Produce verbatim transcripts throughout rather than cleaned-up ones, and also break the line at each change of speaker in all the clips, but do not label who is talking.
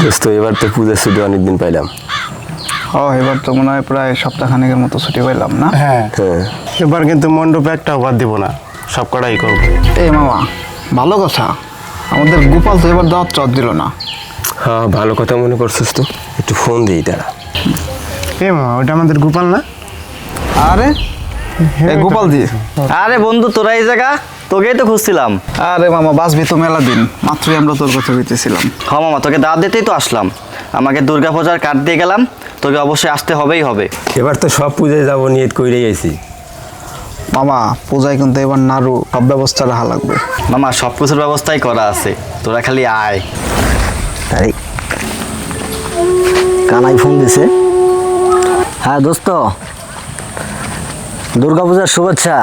দোস্ত এবার তো পূজার ছুটি অনেকদিন পাইলাম।
ও এবার তো মনে হয় প্রায় সপ্তাহখানেকের মতো ছুটি পাইলাম না?
হ্যাঁ
হ্যাঁ
এবার কিন্তু মণ্ডপে একটাও বাদ দিব না, সব কটাই করবো।
এই মামা, ভালো কথা, আমাদের গোপাল তো এবার দাওয়াত চট দিল না।
হ্যাঁ ভালো কথা মনে করছিস তো, একটু ফোন দিই তারা।
এ মামা, ওটা আমাদের গোপাল না?
আরে এই গোপাল দি।
আরে বন্ধু, তোরা এই জায়গা, তোকেই তো খুঁজছিলাম।
আরে মামা, বাসবি তো মেলা দিন, মাত্রই আমরা তোর কথা বলতেছিলাম।
হ্যাঁ মামা, তোকে দাওয়াত দিতেই তো আসলাম। আমাকে দুর্গা পূজার কার্ড দিয়ে গেলাম, তোকে অবশ্যই আসতে হবেই হবে।
এবার তো সব পূজায় যাবো নিয়ত কইরেই আইছি।
মামা পূজায় কিন্তু এবার নাড়ু সব ব্যবস্থা রাখা লাগবে।
মামা সব কিছুর ব্যবস্থাই করা আছে, তোরা খালি আয়।
তাই কানাই ফোন দিছে। হ্যাঁ দোস্ত, দুর্গাপূজার শুভেচ্ছা।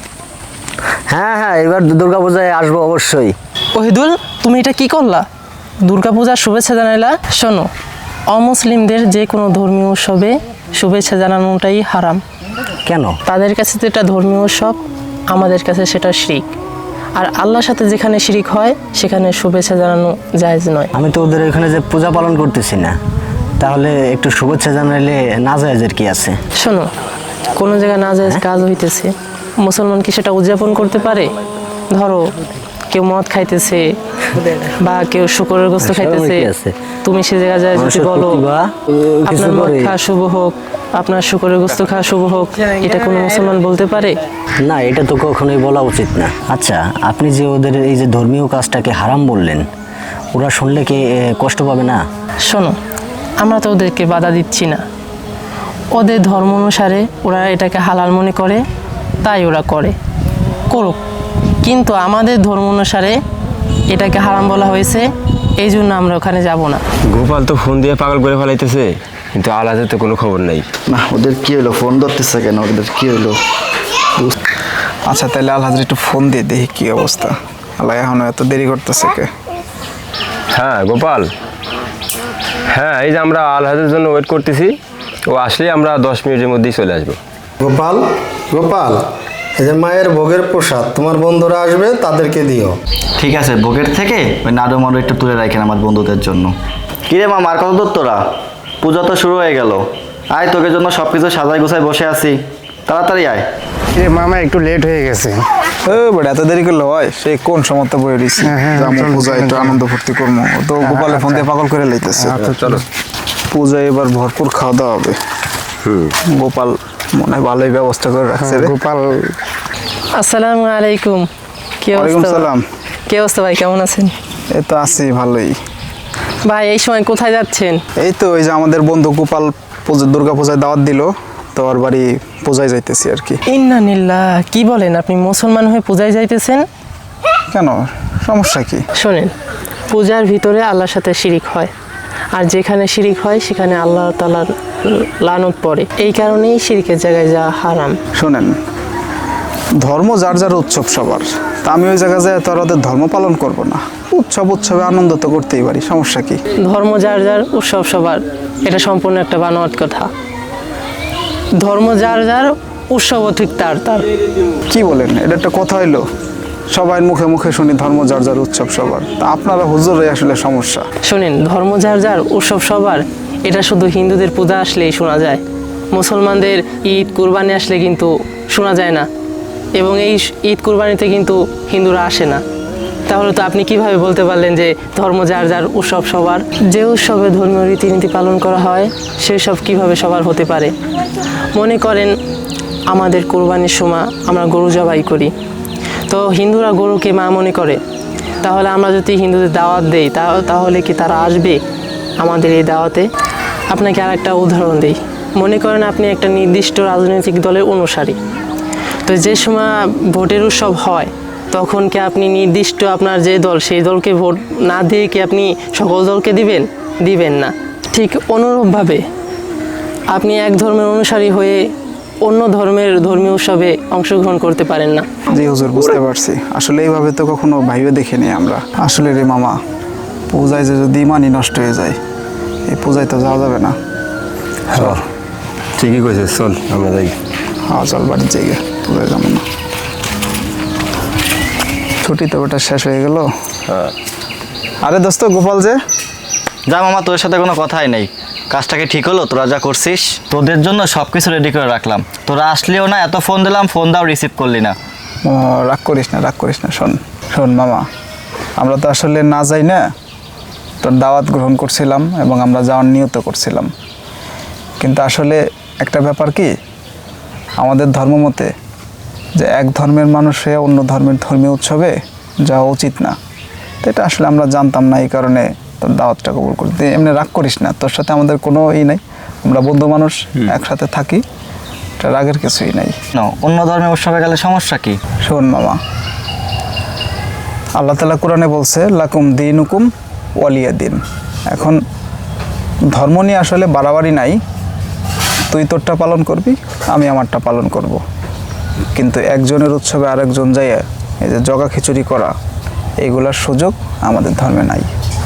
হ্যাঁ হ্যাঁ এবার দুর্গাপূজায় আসবো অবশ্যই।
ওহিদুল, তুমি এটা কি করলা? দুর্গাপূজার শুভেচ্ছা জানাইলা? শোনো, অমুসলিমদের যে কোনো ধর্মীয় উৎসবে শুভেচ্ছা জানানোটাই হারাম।
কেন?
তাদের কাছে তো এটা ধর্মীয় উৎসব, আমাদের কাছে সেটা শিরিক। আর আল্লাহর সাথে যেখানে শিরিক হয় সেখানে শুভেচ্ছা জানানো জায়েজ নয়।
আমি তো ওদের এখানে যে পূজা পালন করতেছি না, তাহলে একটু শুভেচ্ছা জানাইলে না জায়েজের কি আছে?
শোনো, কোনো জায়গায় না জায়েজ কাজ হইতেছে, মুসলমান কি সেটা উদযাপন করতে পারে? ধরো কেউ মদ খাইতেছে বা কেউ শুকরের গোস্ত খাইতেছে,
কি আছে?
তুমি সে জায়গায় যায় যদি
মানুষের
বলো
প্রতি বা, আহ, কিছু
আপনার মদ
করে।
খাওয়া শুভ হোক, আপনার শুকরের গোস্ত খাওয়া শুভ হোক, এটা কোনো মুসলমান বলতে পারে?
না, এটা তো কখনোই বলা উচিত না। আচ্ছা, আপনি যে ওদের এই যে ধর্মীয় কাজটাকে হারাম বললেন, ওরা শুনলে কি এ, কষ্ট পাবে না?
শোনো, আমরা তো ওদেরকে বাধা দিচ্ছি না, ওদের ধর্ম অনুসারে ওরা এটাকে হালাল মনে করে, তাই ওরা করে, করুক। কিন্তু আমাদের ধর্ম অনুসারে এটাকে হারাম বলা হয়েছে, এই জন্য আমরা ওখানে যাব না।
গোপাল তো ফোন দিয়ে পাগল করে ফেলাইতেছে, কিন্তু আলাদা তো কোনো খবর নাই।
না, ওদের কি হলো, ফোন ধরতেছে কেন, ওদের কি হলো? আচ্ছা তাহলে আল হাজরি একটু ফোন দিয়ে দেখি কি অবস্থা। আল্লাহ এখনো এত দেরি করতেছে কে?
হ্যাঁ গোপাল, হ্যাঁ এই যে আমরা আলহাজের জন্য ওয়েট করতেছি, ও আসলে আমরা দশ মিনিটের মধ্যেই চলে আসবো।
গোপাল, গোপাল, এই যে মায়ের ভোগের প্রসাদ তোমার বন্ধুরা আসবে তাদেরকে দিও।
ঠিক আছে, ভোগের থেকে ওই নাড়ু মাড়ু একটু তুলে রাখেন আমার বন্ধুদের জন্য। কিরে মামা, আর কত দূর তোরা? পূজা তো শুরু হয়ে গেল। আয়, তোকে জন্য সব কিছু সাজাই গুছাই বসে আছি, তাড়াতাড়ি আয়।
এ মামা, একটু লেট হয়ে গেছে।
ও বড়, এত দেরি করলে হয়? সেই কোন সময়তে বই রইছি,
হ্যাঁ, হ্যাঁ,
যাবো
চলো,
পূজা
চলো,
একটু
চলো।
আনন্দ ফুর্তি করবো। ও তো গোপালে ফোন দিয়ে পাগল করে লাইতেছে।
আচ্ছা চলো।
পূজায় এবার ভরপুর খাওয়া দাওয়া হবে। গোপাল মনে হয় ভালোই ব্যবস্থা করে রাখছে রে।
গোপাল,
আসসালামু আলাইকুম। কি
ওয়ালাইকুম
অবস্থা?
সালাম।
কি অবস্থা ভাই, কেমন আছেন?
এই তো আছি ভালোই।
ভাই এই সময় কোথায় যাচ্ছেন?
এই তো ওই যে আমাদের বন্ধু গোপাল পূজা দুর্গা পূজায় দাওয়াত দিল, তো ওর বাড়ি পূজায় যাইতেছি আর কি।
ইন্নানিল্লাহ, কি বলেন, আপনি মুসলমান হয়ে পূজায় যাইতেছেন?
কেন, সমস্যা কি?
শোনেন, পূজার ভিতরে আল্লাহর সাথে শিরিক হয়, আর যেখানে শিরিক হয় সেখানে আল্লাহ তাআলার লানত পড়ে, এই কারণেই শিরিকের জায়গায় যাওয়া হারাম।
শোনেন, ধর্ম যার যার উৎসব সবার, তা আমি ওই জায়গায় যাই তো আর ওদের ধর্ম পালন করব না। উৎসব উৎসবে আনন্দ তো করতেই পারি, সমস্যা কি?
ধর্ম যার যার, উৎসব সবার, এটা সম্পূর্ণ একটা বানোয়াট কথা। ধর্ম যার যার, উৎসবও ঠিক তার তার।
কি বলেন, এটা একটা কথা হইলো? সবাই মুখে মুখে শুনি ধর্ম যার যার, উৎসব সবার, তা আপনারা হুজুরই আসলে সমস্যা।
শোনেন, ধর্ম যার যার, উৎসব সবার, এটা শুধু হিন্দুদের পূজা আসলেই শোনা যায়, মুসলমানদের ঈদ কুরবানি আসলে কিন্তু শোনা যায় না, এবং এই ঈদ কুরবানিতে কিন্তু হিন্দুরা আসে না। তাহলে তো আপনি কিভাবে বলতে পারলেন যে ধর্ম যার যার, উৎসব সবার? যে উৎসবে ধর্মীয় রীতিনীতি পালন করা হয় সেই সব কীভাবে সবার হতে পারে? মনে করেন আমাদের কোরবানির সময় আমরা গরু জবাই করি, তো হিন্দুরা গরুকে মা মনে করে, তাহলে আমরা যদি হিন্দুদের দাওয়াত দেই তাহলে কি তারা আসবে আমাদের এই দাওয়াতে? আপনাকে আর একটা উদাহরণ দিই। মনে করেন আপনি একটা নির্দিষ্ট রাজনৈতিক দলের অনুসারী, তো যে সময় ভোটের উৎসব হয় তখন কি আপনি নির্দিষ্ট আপনার যে দল সেই দলকে ভোট না দিয়ে কি আপনি সকল দলকে দিবেন? দিবেন না। ঠিক অনুরূপভাবে আপনি এক ধর্মের অনুসারী হয়ে অন্য ধর্মের ধর্মীয় উৎসবে অংশগ্রহণ করতে পারেন না।
জি হুজুর, বুঝতে পারছি। আসলে এইভাবে তো কখনো ভাইবে দেখিনি আমরা। আসলে রে মামা, পূজায় যে যদি ইমানই নষ্ট হয়ে যায়, এই পূজায় তো যাওয়া যাবে না।
হ্যাঁ ঠিকই কইছিস, চল আমরা যাই।
হ্যাঁ চল, বাড়ির জায়গা, পূজায় যাবো না। ছুটি তো ওটা শেষ হয়ে গেল।
হ্যাঁ
আরে দোস্ত গোপাল যে,
যা মামা, তোর সাথে কোনো কথাই নেই। কাজটাকে ঠিক হলো? তোরা যা করছিস, তোদের জন্য সব কিছু রেডি করে রাখলাম। তোরা আসলেও না, এত ফোন দিলাম, ফোন দাও, রিসিভ করলি না।
মামা রাগ করিস না, রাগ করিস না। শোন শোন মামা, আমরা তো আসলে না যাই না, তোর দাওয়াত গ্রহণ করছিলাম এবং আমরা যাওয়ার নিয়ত করছিলাম। কিন্তু আসলে একটা ব্যাপার কি, আমাদের ধর্মমতে যে এক ধর্মের মানুষ হয়ে অন্য ধর্মের ধর্মীয় উৎসবে যাওয়া উচিত না। তো এটা আসলে আমরা জানতাম না, এই কারণে তোর দাওয়াতটা কবুল করি। তুই এমনি রাগ করিস না, তোর সাথে আমাদের কোনো ই নাই, আমরা বন্ধু মানুষ, একসাথে থাকি, এটা রাগের কিছুই নাই।
না, অন্য ধর্মের উৎসবে গেলে সমস্যা কি?
শোন মামা, আল্লাহ তাআলা কোরআনে বলছে লাকুম দিনুকুম ওয়ালিয়া দিন। এখন ধর্ম নিয়ে আসলে বাড়াবাড়ি নাই, তুই তোরটা পালন করবি, আমি আমারটা পালন করব। কিন্তু একজনের উৎসবে আরেকজন যাইয়া এই যে জগা খিচুড়ি করা, এইগুলার সুযোগ আমাদের ধর্মে নাই।